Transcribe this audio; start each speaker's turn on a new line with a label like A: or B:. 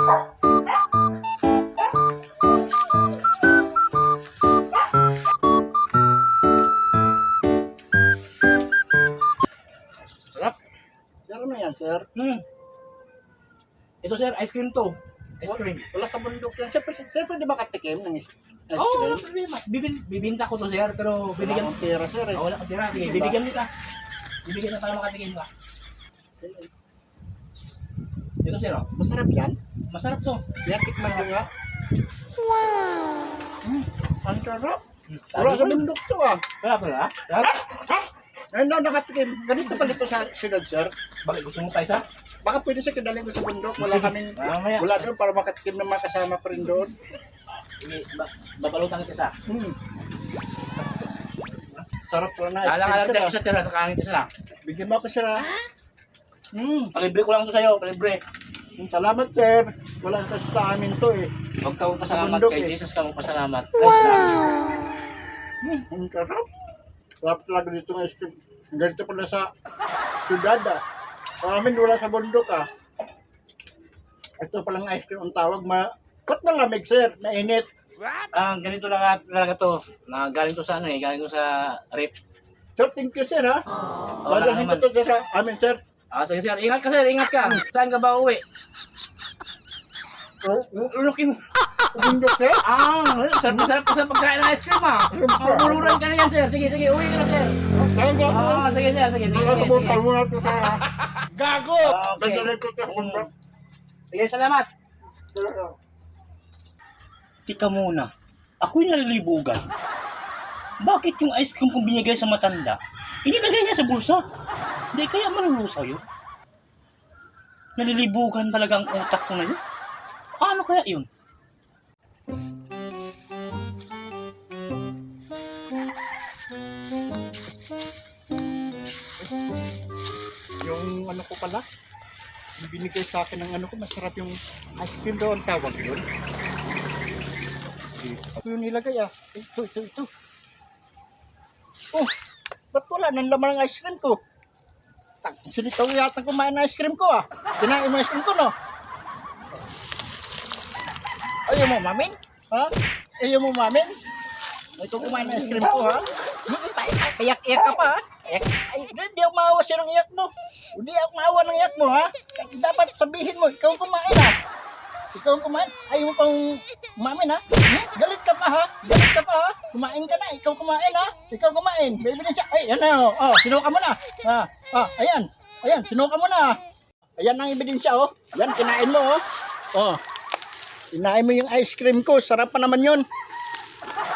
A: Sarap.
B: Pero ano yan, sir?
A: Ito sir, ice cream to. Ice cream.
B: Wala sa bundok yan. Siyempre di ba katikim ng ice
A: Oo,
B: cream?
A: walang problema. Bibinta ko to sir, pero
B: Wala
A: bibigyan
B: akong pera, sir. Eh.
A: wala kang tira. Sige, bibigyan kita. Bibigyan na para makatikim ka. Ito sir, oh.
B: Masarap yan.
A: Masarap to.
B: Kaya tikman ko nga. Ang sarap. Wala sa bundok to ah.
A: Sarap pala, ha? Sarap?
B: Ngayon na nakatikim. Ganito pa dito sa sunod, sir.
A: Bakit gusto mo pa isa?
B: Baka pwede siya kadaling ko sa bundok. Wala kaming,
A: Mamaya.
B: wala doon para makatikim ng mga kasama ko rin doon.
A: Sige, babalutan kita isa.
B: Sarap ko na.
A: Alang-alang
B: sir,
A: tayo
B: ah.
A: isa tira, kakain isa lang.
B: Bigyan mo ako, sir. Ah.
A: Palibre ko lang to sa'yo, palibre.
B: Salamat, sir. Wala kasi sa amin to eh.
A: Huwag ka magpasalamat
B: Bundok,
A: kay
B: eh.
A: Jesus ka magpasalamat.
B: Ang sarap. Sarap talaga dito ng ice cream. Ganito pala sa syudad ah. Sa amin wala sa bundok ah. Ito palang ice cream ang tawag. Ba't malamig, sir? Mainit.
A: Ganito lang talaga to. Galing to sa ano eh, galing to sa rep.
B: Sir, thank you, sir ha.
A: Wala
B: Dadalhin
A: naman.
B: ko to sa amin, sir.
A: Sige sir, ingat ka sir, ingat ka. Saan ka ba uwi? Lulukin mo.
B: Bundok, sir.
A: Sarap ka sa pagkain ng ice cream ah. Mabuluran ka na yan sir. Sige, uwi ka na sir.
B: Saan ka?
A: Sige sir, sige.
B: Nakakabukal mo na ito, sir ha. Gago!
A: Okay.
B: Dadalhin ko to sa bundok.
A: Sige, salamat.
B: Sir,
C: Tika muna, ako'y nalilibugan. Bakit yung ice cream kong binigay sa matanda, inilagay niya sa bulsa? Hindi kaya malulusaw yun? Nalilibugan talaga ang utak ko na yun. Ano kaya yun?
B: yung ano ko pala, yung binigay sa akin ng ano ko, masarap yung ice cream daw ang tawag yun. Ito yung nilagay ah. Ito. Oh, ba't wala nang laman ng ice cream ko? Sinitaw yata kumain ng ice cream ko ah. Kinain mo ice cream ko no? Ayaw mo mamin? Ha? Ayaw mo mamin? Ito kumain ng ice cream ko ha? Iyak-iyak ka pa ha? Ay, hindi ako maawa siya ng iyak mo. Hindi ako maawa ng iyak mo ha? Dapat sabihin mo, ikaw ang kumain ha? Ikaw ang kumain? Ayaw mo pang umamin ha? Galit ka pa ha? Galit ka pa ha? Kumain ka na, ikaw kumain ha? Ikaw kumain. Baby na siya. Ay, yan na oh. Sinuka mo na. Ayan. Ayan, sinuka mo na. Ayan ang ebidensya oh. Yan, kinain mo oh. Oh. Kinain mo yung ice cream ko. Sarap pa naman yun.